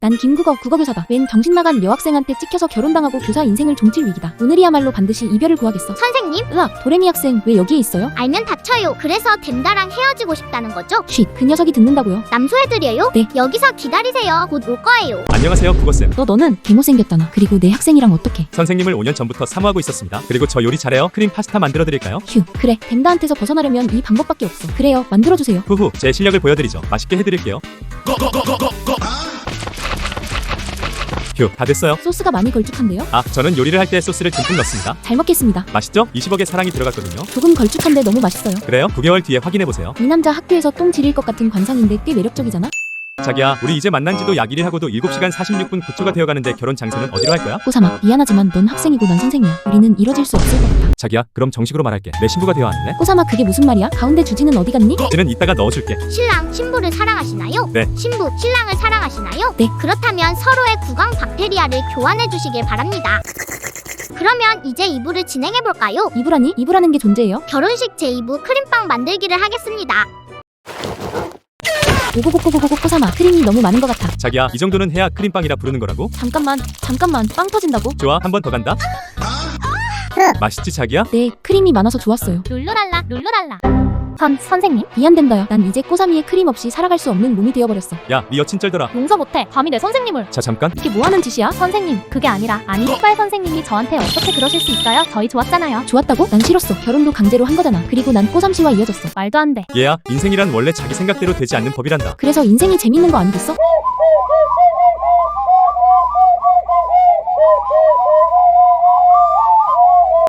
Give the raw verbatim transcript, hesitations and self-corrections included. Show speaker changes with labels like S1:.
S1: 난 김국어 국어교사다. 웬 정신나간 여학생한테 찍혀서 결혼당하고 교사 인생을 종칠 위기다. 오늘이야말로 반드시 이별을 구하겠어.
S2: 선생님?
S1: 으악, 도레미 학생 왜 여기에 있어요?
S2: 알면 다쳐요. 그래서 댐다랑 헤어지고 싶다는 거죠?
S1: 쉿, 그 녀석이 듣는다고요?
S2: 남소애들이에요?
S1: 네.
S2: 여기서 기다리세요. 곧 올 거예요.
S3: 안녕하세요 국어쌤.
S1: 너 너는 개못생겼다나. 그리고 내 학생이랑 어떡해?
S3: 선생님을 오 년 전부터 사모하고 있었습니다. 그리고 저 요리 잘해요. 크림 파스타 만들어 드릴까요?
S1: 휴, 그래. 댐다한테서 벗어나려면 이 방법밖에 없어. 그래요, 만들어주세요.
S3: 후후 제 실력을 보여드리죠. 맛있게 해드릴게요. 휴, 다 됐어요.
S1: 소스가 많이 걸쭉한데요?
S3: 아, 저는 요리를 할 때 소스를 듬뿍 넣습니다.
S1: 잘 먹겠습니다.
S3: 맛있죠? 이십억의 사랑이 들어갔거든요.
S1: 조금 걸쭉한데 너무 맛있어요.
S3: 그래요? 구 개월 뒤에 확인해보세요.
S1: 이 남자 학교에서 똥 지릴 것 같은 관상인데 꽤 매력적이잖아?
S3: 자기야, 우리 이제 만난 지도 약 일 일 하고도 일곱 시간 사십육 분 구 초가 되어가는데 결혼 장소는 어디로 할 거야?
S1: 꼬사마, 미안하지만 넌 학생이고 난 선생이야. 우리는 이뤄질 수 없을 것 같아.
S3: 자기야, 그럼 정식으로 말할게. 내 신부가 되어 왔네.
S1: 꼬사마, 그게 무슨 말이야? 가운데 주지는 어디 갔니?
S3: 이는 이따가 넣어줄게.
S2: 신랑, 신부를 사랑하시나요?
S3: 네.
S2: 신부, 신랑을 사랑하시나요?
S1: 네.
S2: 그렇다면 서로의 구강 박테리아를 교환해 주시길 바랍니다. 그러면 이제 이 부를 진행해 볼까요?
S1: 이부라니? 이부라는 게 존재해요?
S2: 결혼식 제이 부 크림빵 만들기를 하겠습니다.
S1: 오고고고고고고 꼬사마, 크림이 너무 많은 것 같아.
S3: 자기야, 이 정도는 해야 크림빵이라 부르는 거라고?
S1: 잠깐만, 잠깐만, 빵 터진다고?
S3: 좋아, 한 번 더 간다. 맛있지 자기야?
S1: 네, 크림이 많아서 좋았어요.
S2: 룰루랄라, 룰루랄라. 선, 선생님?
S1: 미안된다야. 난 이제 꼬사미의 크림 없이 살아갈 수 없는 몸이 되어버렸어.
S3: 야, 네 여친 쩔더라.
S4: 용서 못해. 감히 내 선생님을.
S3: 자, 잠깐.
S1: 이게 뭐하는 짓이야?
S4: 선생님, 그게 아니라 아니 흑발 선생님이 저한테 어떻게 그러실 수 있어요? 저희 좋았잖아요.
S1: 좋았다고? 난 싫었어. 결혼도 강제로 한 거잖아. 그리고 난 꼬삼씨와 이어졌어.
S4: 말도 안 돼.
S3: 얘야, 인생이란 원래 자기 생각대로 되지 않는 법이란다.
S1: 그래서 인생이 재밌는 거 아니겠어?